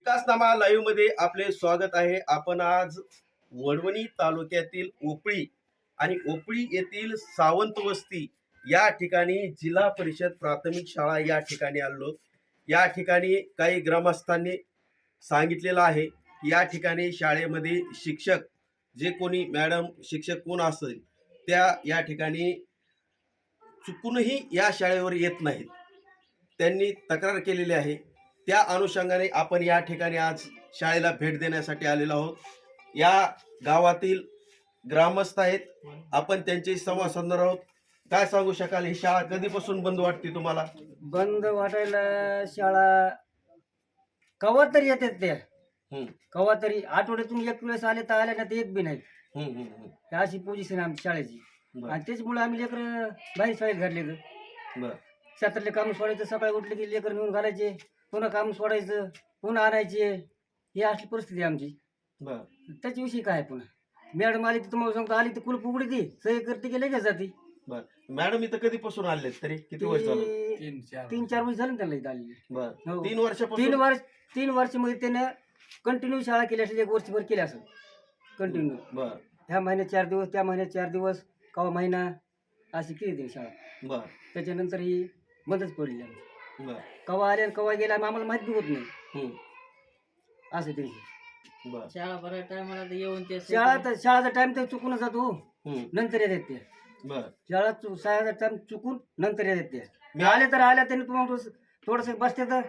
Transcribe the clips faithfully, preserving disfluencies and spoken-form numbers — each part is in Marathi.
विकासनामा लाईव्ह मध्ये आपले स्वागत आहे। आपण आज वडवणी तालुक्यातील ओपळी आणि ओपळी येथील सावंत वस्ती या ठिकाणी जिल्हा परिषद प्राथमिक शाळा या ठिकाणी आलो। या ठिकाणी काही ग्रामस्थांनी सांगितलेलं आहे की या ठिकाणी शाळेमध्ये शिक्षक जे कोणी मॅडम शिक्षक कोण असेल त्या या ठिकाणी चुकूनही या शाळेवर येत नाहीत। त्यांनी तक्रार केलेली आहे। त्या अनुषंगाने आपण या ठिकाणी आज शाळेला भेट देण्यासाठी आलेलो आहोत। या गावातील ग्रामस्थ आहेत, आपण त्यांच्याशी संवाद साधणार आहोत। काय सांगू शकाल, ही शाळा कधीपासून बंद वाटते तुम्हाला? बंद वाटायला शाळा कवा तरी येतात त्या हम्म कवा तरी आठवड्यातून एक वेळेस आले तर आले ना ते एक बी नाही। हम्म हम्म हम्म. ही अशी पोझिशन आमची शाळेची बरं. आणि त्याच्यामुळे आम्ही लेकर बाहेर शाळेत घातले तर बरं. शेतातले काम सोडायचं, सकाळी उठले की लेकर नेऊन घालायचे, पुन्हा काम सोडायचं, पुन्हा आणायचे। ही अशी परिस्थिती आहे आमची। बरं. त्याच्याविषयी काय पुन्हा मॅडम आली तर तुम्हाला सांगतो, आली तर कुलप उघडी ती सही करते की लगेच जाते। बरं. मॅडम इथं कधीपासून आलेत, तरी किती वर्ष झालं? ती तीन चार वर्ष झाले ना त्याला इथं आलेली। बरं. हो. तीन वर्षापासून तीन वर्ष तीन वर्षामध्ये त्याने कंटिन्यू शाळा केली असेल, एक वर्षभर केली असेल कंटिन्यू। बरं. ह्या महिन्यात चार दिवस, त्या महिन्यात चार दिवस, कवा महिना अशी केली त्याने शाळा। बरं. त्याच्यानंतर ही बंदच पडली आमची। बरं. कवा आले आणि कवा गेला आम्हाला माहिती बी होत नाही हम्म. असं त्यांची बरं. शाळा भरायला टायमाला येऊन ते शाळा तर शाळाचा टाइम तर चुकून जातो, हम्म. नंतर येतात ते बरं. शाळा चु- शाळेचा टाइम चुकून नंतर येतात ते। मी आले तर आल्या त्यांनी तुम्हाला थोडस बसते तर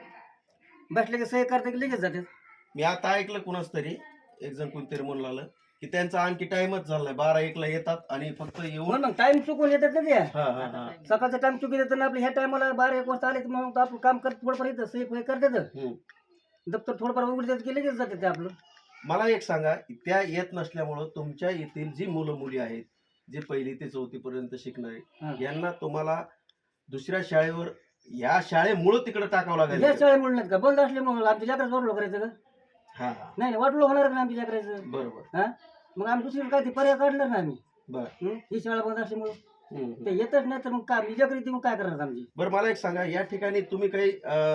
बसले की सही करते की लगेच जातात। मी आता ऐकलं कुणाच तरी एक जण कोणतरी म्हणून लागलं की त्यांचा आणखी टाइमच झालाय, बारा एकला येतात आणि फक्त येऊन म्हणून मग टाइम चुकून येतात ना ते। हा हा हा सकाळचा टाइम चुकी देतात ना आपल्या ह्या टायमाला बारा एक वाजता आले तर मग आपलं काम करत थोडंफार येतं, सही फही करतात, हम्म. दप्तर थोडंफार उघडतात की लगेच जातात ते आपलं। मला एक सांगा, त्या येत नसल्यामुळं तुमच्या येथील जी मुलं मुली आहेत जे पहिली ते चौथी पर्यंत शिकणारे, हा. यांना तुम्हाला दुसऱ्या शाळेवर या शाळेमुळे तिकडे टाकावं लागेल या का? शाळेमुळे नाहीत का, बंद असल्यामुळे आमच्या लेकराचं वाटलं करायचं का? हा हा नाही नाही, वाटलं होणार का आमच्या लेकराचं? बरोबर. हा, मग आम्ही दुसरीकडे काय ते पर्याय काढणार ना आम्ही। बर. हं? ही शाळा बंद असल्यामुळे हम्म, हम्म. ते येतच नाही तर मग काय मी लेकर येते मग काय करणार आमची? बरं, मला एक सांगा, या ठिकाणी तुम्ही काही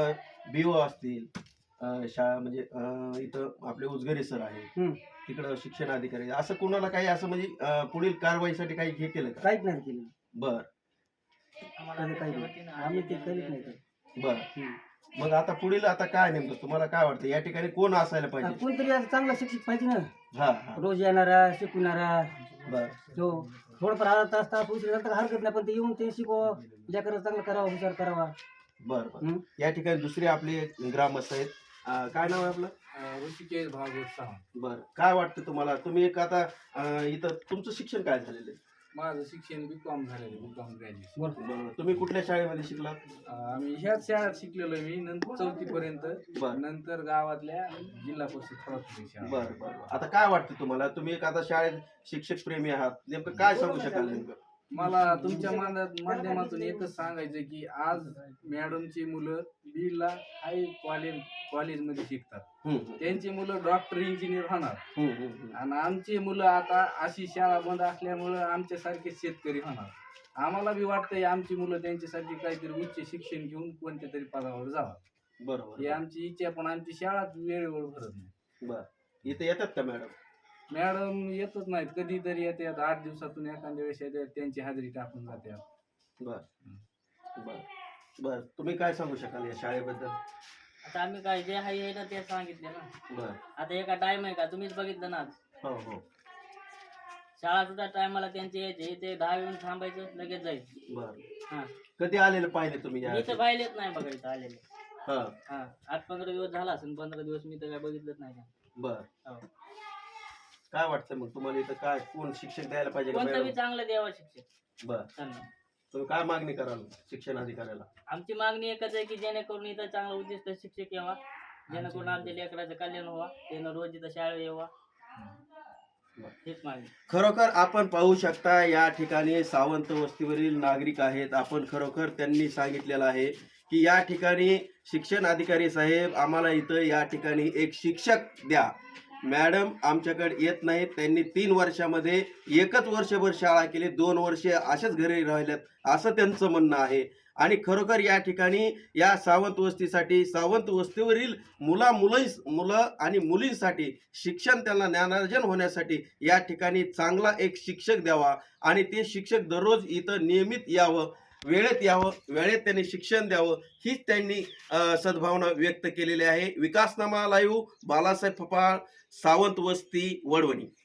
बीओ असतील, अं, शाळा म्हणजे अं, इथं आपले उजगरे सर आहेत, हं. तिकडं शिक्षण अधिकारी, असं कोणाला काही असं म्हणजे अं, पुढील कारवाईसाठी काही हे केलं का? काहीच नाही केलं, बर आम्हाला कधी काही अपेक्षा होती ना, आम्ही ते करीत नाही ते। बर. हं. मग आता पुढील आता काय नेमकं तुम्हाला काय वाटतं, या ठिकाणी कोण असायला आ, पाहिजे? कोणतरी असं चांगला शिक्षक पाहिजे ना, हा हा रोज येणारा, शिकवणारा, बर. जो थोडंफार अर्धा तास तास उशीर झाला तर हरकत नाही, पण ते येऊन ते शिकवा, लेकरं चांगलं करावं, हुशार करावा। बर बर. हं? या ठिकाणी दुसरे आपले ग्रामस्थ आहेत, अं, काय नाव आहे आपलं? ऋषिकेश भागवत सावंत. बर. काय वाटतं तुम्हाला, तुम्ही एक आता अं, इथं तुमचं शिक्षण काय झालेलं आहे? माझं शिक्षण बी कॉम झालेलं बी कॉम ग्रॅज्युएशन. बरं. तुम्ही कुठल्या शाळेमध्ये शिकलात? आम्ही ह्याच शाळेत शिकलेलो मी नंतर चौथी पर्यंत, बरं. नंतर गावातल्या जिल्हा परिषद प्राथमिक शाळा. बरं बरं. आता काय वाटतं तुम्हाला, तुम्ही एक आता शाळेत शिक्षक प्रेमी आहात, नेमकं काय सांगू शकाल नेमकं? मला तुमच्या माध्या- माध्यमातून एकच सांगायचं की आज मॅडमची मुलं बीडला हाय कॉलेज कॉलेजमध्ये शिकतात, हम्म, हम्म. त्यांची मुलं डॉक्टर इंजिनियर होणार, हम्म, हम्म, हम्म. आणि आमची मुलं आता अशी शाळा बंद असल्यामुळं आमच्यासारखे शेतकरी होणार। आम्हाला बी वाटतंय आमची मुलं त्यांच्यासाठी काहीतरी उच्च शिक्षण घेऊन कोणत्या तरी पदावर जावं, बरोबर. ही आमची इच्छा, पण आमची शाळा वेळेवर भरत नाही। बरं. इथे येतात का मॅडम? मॅडम येतच नाहीत, कधीतरी येतात, आठ दिवसातून एखाद्या वेळेस येतात, त्यांची हाजरी टाकून जातात। बर बर बर. तुम्ही काय सांगू शकाल या शाळेबद्दल? आता आम्ही काय जे आहे हे ना ते सांगितले ना। बर. आता एका टाइम आहे का, तुम्हीच बघितलं ना आज हो हो. शाळा सुद्धा टायमाला त्यांचे यायचे, ते दहा येऊन थांबायचं, लगेच जायचं। बर. हा, कधी आलेलं पाहिले तुम्ही या? मी तर पाहिलेच नाही बघा इथं आलेले। हा. हा, आठ पंधरा दिवस झाला असेल, पंधरा दिवस मी तर काय बघितलंच नाही का। बर. हो. काय वाटतं मग तुम्हाला, इथं काय कोण शिक्षण द्यायला पाहिजे का कोणतं बी मॅडम? चांगलं द्यावं शिक्षक बर. त्यांना। तुम्ही काय मागणी कराल शिक्षण अधिकाऱ्याला? आमची मागणी एकच आहे की जेणेकरून इथं चांगला उद्दिष्ट शिक्षक यावा, जेणेकरून आमच्या लेकराचं कल्याण व्हावा, त्यानं रोज इथं शाळेत यावा, हेच मागणी। खरोखर आपण पाहू शकता, या ठिकाणी सावंत वस्तीवरील नागरिक आहेत। आपण खरोखर त्यांनी सांगितलेलं आहे की या ठिकाणी शिक्षण अधिकारी साहेब, आम्हाला इथं या ठिकाणी एक शिक्षक द्या। मॅडम आमच्याकडे येत नाहीत. त्यांनी तीन वर्षामध्ये एकच वर्षभर शाळा केली, दोन वर्षे असेच घरी राहिल्यात असं त्यांचं म्हणणं आहे. आणि खरोखर या ठिकाणी या सावंत वस्तीसाठी, सावंत वस्तीवरील मुला मुलं मुलं आणि मुलींसाठी शिक्षण, त्यांना ज्ञानार्जन होण्यासाठी या ठिकाणी चांगला एक शिक्षक द्यावा आणि ते शिक्षक दररोज इथं नियमित यावं, वेळेत यावं, वेळेत त्यांनी शिक्षण द्यावं, हीच त्यांनी अ, सद्भावना व्यक्त केलेली आहे. विकासनामा लाईव्ह, बालासाहेब फपाळ, सावंत वस्ती, वडवणी.